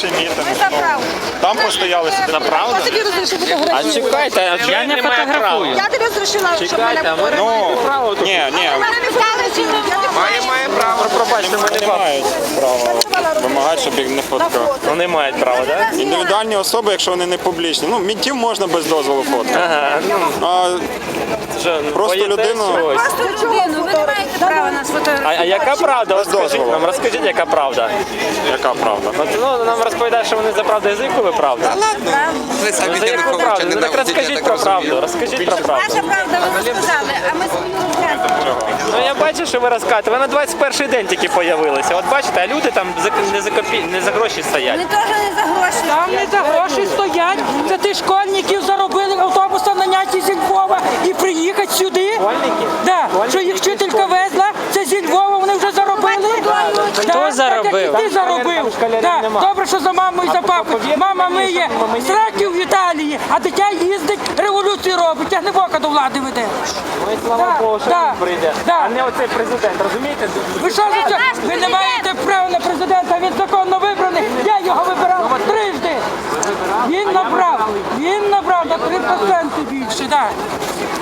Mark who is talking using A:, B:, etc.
A: перший мітинг.
B: Ми за правду.
A: Там постояли собі.
C: Правда?
B: Я тобі розрішив
C: А
B: фотографію.
C: чекайте, а я не фотографую.
B: Я тобі розрішила, щоб мене
C: Чекайте, а ми не маємо права тут.
A: Ні,
B: мене не вдарили.
C: Має право. Пробачте, ми
A: вони
C: не
A: не мають права вимагати, щоб їх не фоткали.
C: Вони мають право, так?
A: Індивідуальні особи, якщо вони не публічні. Ну, мінтів можна без дозволу фоткати.
C: Ага, ну,
A: А просто
C: боїтесь
A: людину...
C: чогось.
B: Просто людину, ви не маєте права нас фотографувати.
C: А яка правда? От скажіть нам, розкажіть, яка правда.
A: Яка правда?
C: От, ну, нам розповідають, що вони за правду, за яку ви правду?
D: Ви самі
C: За яку правду? Ну, так розкажіть про правду, розкажіть про правду.
B: Наша правда, ви розказали, а ми свою розказуємо.
C: Ну я бачу, що ви розказуєте. Ви на 21-й день тільки появилися. От бачите, а люди там не за гроші стоять.
B: Ми теж не за гроші.
E: Там не за гроші стоять. Це ти школьників заробили автобусом наняті зі Львова і приїхати сюди.
C: Школьники?
E: Да. Що їх вчителька везла, це зі Львова, вони вже заробили.
C: Хто заробив?
E: Так, як і ти заробив. Да. Добре, що за маму і за папу. Мама миє сраків в Італії, а дитя їздить, революцію робить, тягнебока до влади веде.
C: Ой, слава Богу, що
E: Да.
C: він прийде.
E: Да.
C: А не оцей президент, розумієте?
E: Ви що за це? Ви не маєте права на президента, він законно вибраний. Я його вибирав трижди. Він набрав на 3% більше, так.